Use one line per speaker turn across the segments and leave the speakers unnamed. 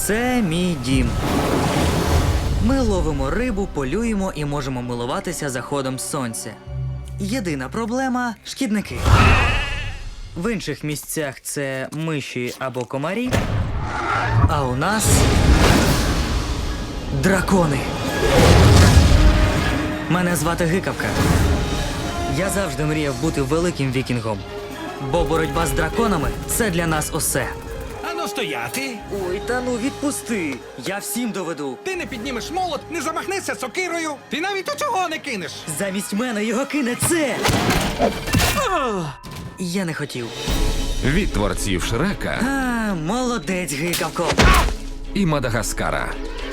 Це мій дім. Ми ловимо рибу, полюємо і можемо милуватися заходом сонця. Єдина проблема – шкідники. В інших місцях це миші або комарі, а у нас дракони. Мене звати Гикавка. Я завжди мріяв бути великим вікінгом, бо боротьба з драконами – це для нас усе.
Ану стояти.
Ой, та ну відпусти, я всім доведу.
Ти не піднімеш молот, не замахнешся сокирою. Ти навіть у цього не кинеш.
Замість мене його кине це. Я не хотів.
Від творців Шрека
А, молодець, Гикавко.
і Мадагаскара.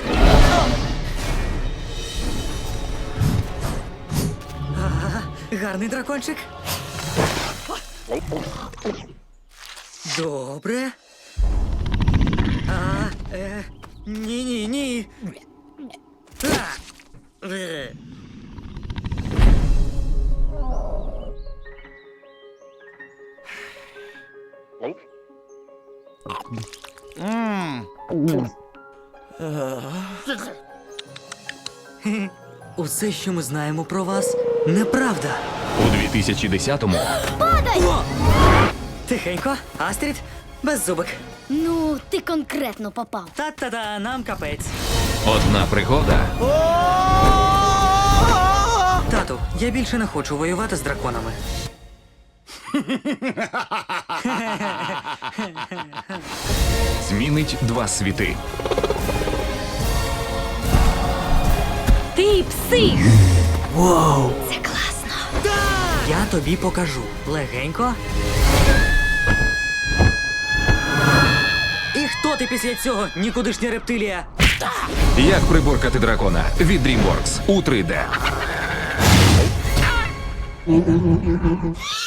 Гарний дракончик. Добре. Ні. Усе, що ми знаємо про вас, неправда.
У 2010-му
О! Тихенько, Астрід, беззубик.
Ну, ти конкретно попав.
Та-та-та, нам капець.
одна пригода
Тату, я більше не хочу воювати з драконами.
змінить два світи.
Ти псих!
Воу!
Це класно.
Я тобі покажу. Легенько. І хто ти після цього, нікудишня рептилія?
Як приборкати дракона від DreamWorks у 3D.